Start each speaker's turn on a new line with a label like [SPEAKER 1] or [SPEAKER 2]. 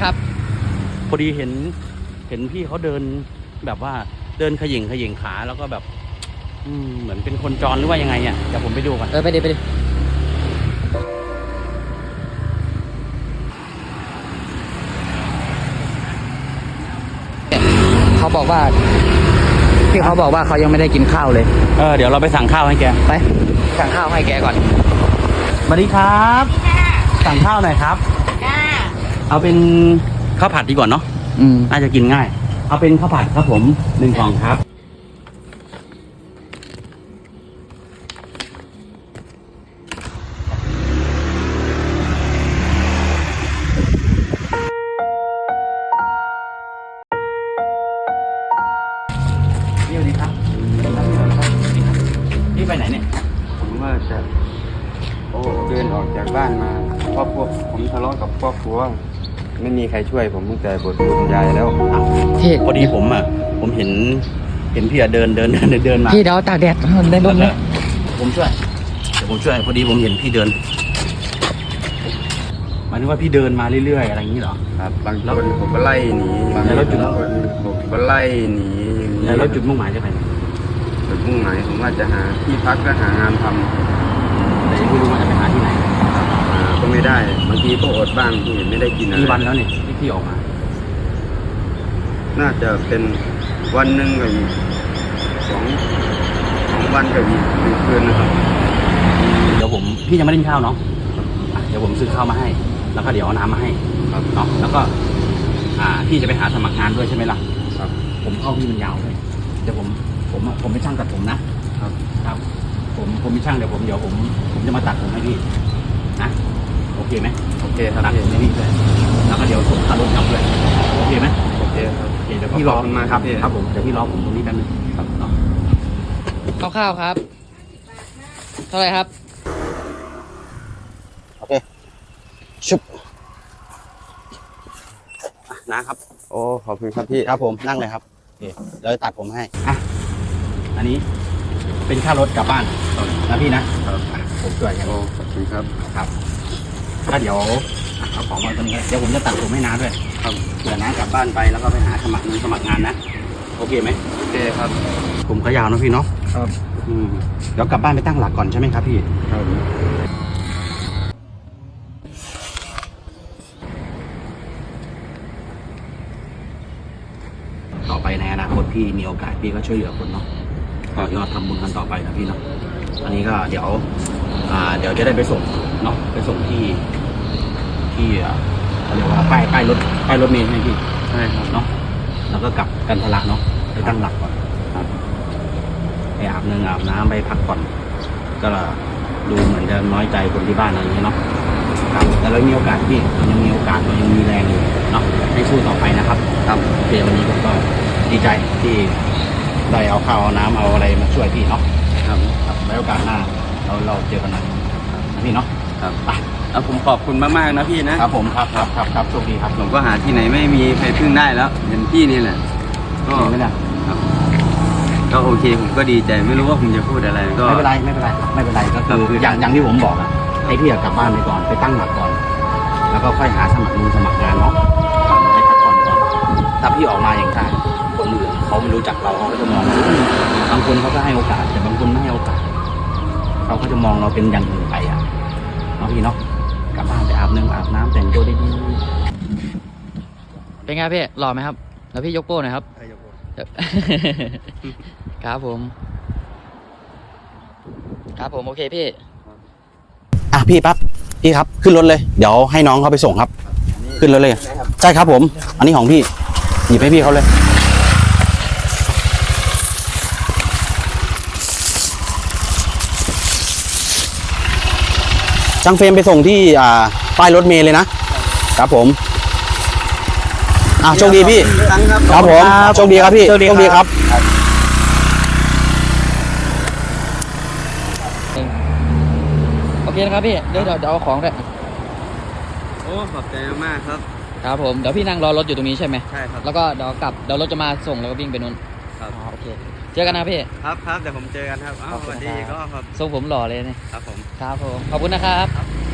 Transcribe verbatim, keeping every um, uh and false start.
[SPEAKER 1] ครับ
[SPEAKER 2] พอดีเห็นเห็นพี่เขาเดินแบบว่าเดินขยิงขยิงขาแล้วก็แบบอืมเหมือนเป็นคนจรหรือว่ายังไงอ่ะเดี๋ยวผมไปดูก่อน
[SPEAKER 1] เออไปดิไปดิเขาบอกว่าพี่เขาบอกว่าเขายังไม่ได้กินข้าวเลย
[SPEAKER 2] เออเดี๋ยวเราไปสั่งข้าวให้แก
[SPEAKER 1] ไปสั่งข้าวให้แกก่อน
[SPEAKER 2] สวัสดีครับสั่งข้าวหน่อยครับเอาเป็นข้าวผัดดีกว่าเนาะ
[SPEAKER 1] อืม
[SPEAKER 2] น่าจะกินง่ายเอาเป็นข้าวผัดครับผมหนึ่งกล่องครับนี่สวัสดีครับนี่ไปไหนเนี่ย
[SPEAKER 3] ผมว่าจะโอ้เดินออกจากบ้านมาเพราะพวกผมทะเลาะกับครอบครัวไม่มีใครช่วยผมตั้งแต่บทคุณยายแล้ว
[SPEAKER 2] พอดีผมอ่ะผมเห็นเห็นพี่อะเดินเดินเดินเดินมา
[SPEAKER 1] พี่เดี๋ยวตากแดดได้ร่มเลย
[SPEAKER 2] ผมช่วยเดี๋ยวผมช่วยพอดีผมเห็นพี่เดินหมายถึงว่าพี่เดินมาเรื่อยๆอะไรอย่างนี้เหรอ
[SPEAKER 3] ครับบางคนผมก็ไล่หนี
[SPEAKER 2] แล้วจุด
[SPEAKER 3] ผมก็ไล่หนี
[SPEAKER 2] แล้วจุดมุ่งหมายจะไปไหน
[SPEAKER 3] จุดมุ่งหมายผมว่าจะหาที่พักและหางานทำ
[SPEAKER 2] แต่ยังไม่รู้ว่าจะไปหาที่ไหน
[SPEAKER 3] ก็ไม่ได้บางทีก็อดบ้างที่ไม่ได้กินอะไร
[SPEAKER 2] กี่วันแล้วเนี่ยที่พี่ออกมา
[SPEAKER 3] น่าจะเป็นวันหนึ่งกับอีกสองสองวันกับอีกหนึ่งคืนนะครับ
[SPEAKER 2] เดี๋ยวผมพี่ยังไม่ได้กินข้าวเนาะเดี๋ยวผมซื้อข้าวมาให้แล้วก็เดี๋ยวเอาน้ำมาให้เนาะแล้วก็อ่าพี่จะไปหาสมัครงานด้วยใช่ไหมล่ะ
[SPEAKER 3] ครับ
[SPEAKER 2] ผมเข้าพี่มันยาวเลยเดี๋ยวผมผมผมไม่ช่างตัดผมนะครับครับผมผมไม่ช่างเดี๋ยวผมเดี๋ยวผมผมจะมาตัดผมให้พี่นะโอเคไหม
[SPEAKER 3] โอเคครับ
[SPEAKER 2] ตัดผมให้พี่เลยแล้วก็เดี๋ยวส่งค่ารถกลับด้วยโอเคไหม
[SPEAKER 3] โอเคครับ
[SPEAKER 2] โอเคเดี๋ยวพี่รอมาครับครับผมเดี๋ยวพี่รอผมตรงนี้แป๊บนึงครับเนาะ
[SPEAKER 1] ข้าวครับเท่าไหร่ครับ
[SPEAKER 2] โอเคชุบนะครับ
[SPEAKER 3] โอ้ขอบคุณครับพี่
[SPEAKER 2] ครับผมนั่งเลยครับโอเคเดี๋ยวตัดผมให้อ่ะอันนี้เป็นค่ารถกลับบ้านนะพี่นะครับผมช่วยกัน
[SPEAKER 3] โอ้ขอบคุณครับ
[SPEAKER 2] ครับถ้าเดี๋ยวเอาของมาตรงนี้เดี๋ยวผมจะตัดผมให้น้าด้วยครับเผื่อน้ากลับบ้านไปแล้วก็ไปหาสมัครงานสมัครงานนะโอเคไหม
[SPEAKER 3] โอเคครับ
[SPEAKER 2] ผมก็ยาวนะพี่เนาะ
[SPEAKER 3] ครับ
[SPEAKER 2] อืมเดี๋ยวกลับบ้านไปตั้งหลักก่อนใช่ไหมครับพี่
[SPEAKER 3] ครับ
[SPEAKER 2] ต่อไปในอนาคตพี่มีโอกาสพี่ก็ช่วยเหลือคนเนาะต่อยอดทำบุญกันต่อไปนะพี่เนาะอันนี้ก็เดี๋ยวอ่าเดี๋ยวจะได้ไปส่งเนาะไปส่งที่ที่เรียกว่าป้ายป้ายรถป้ายรถเมล์ใช่ไหมพี่
[SPEAKER 3] ใช่ครับ
[SPEAKER 2] เนาะแล้วก็กลับกันทะลักเนาะไปตั้งหลักก่อนครับไปอาบน้ำอาบน้ำไปพักผ่อนก็ดูเหมือนจะน้อยใจคนที่บ้านอะไรอย่างเงี้ยเนาะครับแต่เรามีโอกาสพี่เรายังมีโอกาสเรายังมีแรงอยู่เนาะให้สู้ต่อไปนะครับครับโอเควันนี้ผมก็ดีใจที่ได้เอาข้าวเอาน้ำเอาอะไรมาช่วยพี่เนาะครับครับไว้โอกาสหน้าเราเราเจอกันนะพี่เนาะ
[SPEAKER 3] ครับไปเอาผมขอบคุณมากๆนะพี่นะครับ
[SPEAKER 2] ผมครับครับครับครับโชคดีครับ
[SPEAKER 3] ผมก็หาที่ไหนไม่มีใครพึ่งได้แล้วเห็นพี่นี่แหละ
[SPEAKER 2] ก็ไม่ได้
[SPEAKER 3] ครับก็โอเคผมก็ดีใจไม่รู้ว่าผมจะพูดอะไรก็
[SPEAKER 2] ไม่เป็นไรไม่เป็นไรไม่เป็นไรก็คืออย่างอย่างที่ผมบอกอะให้พี่กลับบ้านไปก่อนไปตั้งหลักก่อนแล้วก็ค่อยหาสมัครมือสมัครงานเนาะให้พักผ่อนก่อนถ้าพี่ออกมาอย่างไรคนอื่นเขาไม่รู้จักเราเขาก็จะมองบางคนเขาก็ให้โอกาสแต่บางคนไม่ให้โอกาสเขาก็จะมองเราเป็นอย่างอื่นไปอ่ะเนาะพี่เนาะกลับบ้านไปอาบน้ำอาบน้ำแต่งตัวดี
[SPEAKER 1] ๆเป็นไงพี่หล่อไหมครับแล้วพี่ยกโป้หน่อยครับครับผมครับผมโอเคพี่
[SPEAKER 2] อ่ะพี่ปั๊บพี่ครับขึ้นรถเลยเดี๋ยวให้น้องเขาไปส่งครับขึ้นรถเลยใช่ครับผมอันนี้ของพี่หยิบให้พี่เขาเลยช่างเฟรมไปส่งที่อ่าป้ายรถเมล์เลยนะครับผมอ่ะโชคดีพี่ครับผมโชคดีครับพี่โชคดีครับ
[SPEAKER 1] โอเคนะครับพี่เดี๋ยวเดี๋ยวเอาของด้วย
[SPEAKER 3] โอ้ขอบใจมากครับ
[SPEAKER 1] ครับผมเดี๋ยวพี่นั่งรอรถอยู่ตรงนี้ใช่ไหม
[SPEAKER 3] ใช่ครับ
[SPEAKER 1] แล้วก็เดี๋ยวกลับเดี๋ยวรถจะมาส่งแล้วก็วิ่งไปนู้น
[SPEAKER 3] ครับ
[SPEAKER 1] โอเคเจอกันนะพี่
[SPEAKER 3] ครับครับเดี๋ยวผมเจอกันครับอ้าวสวัสดีก็ครับ
[SPEAKER 1] ทรงผมหล่อเลยเนี่ย
[SPEAKER 3] ครับผม
[SPEAKER 1] ครับผมขอบคุณนะครับ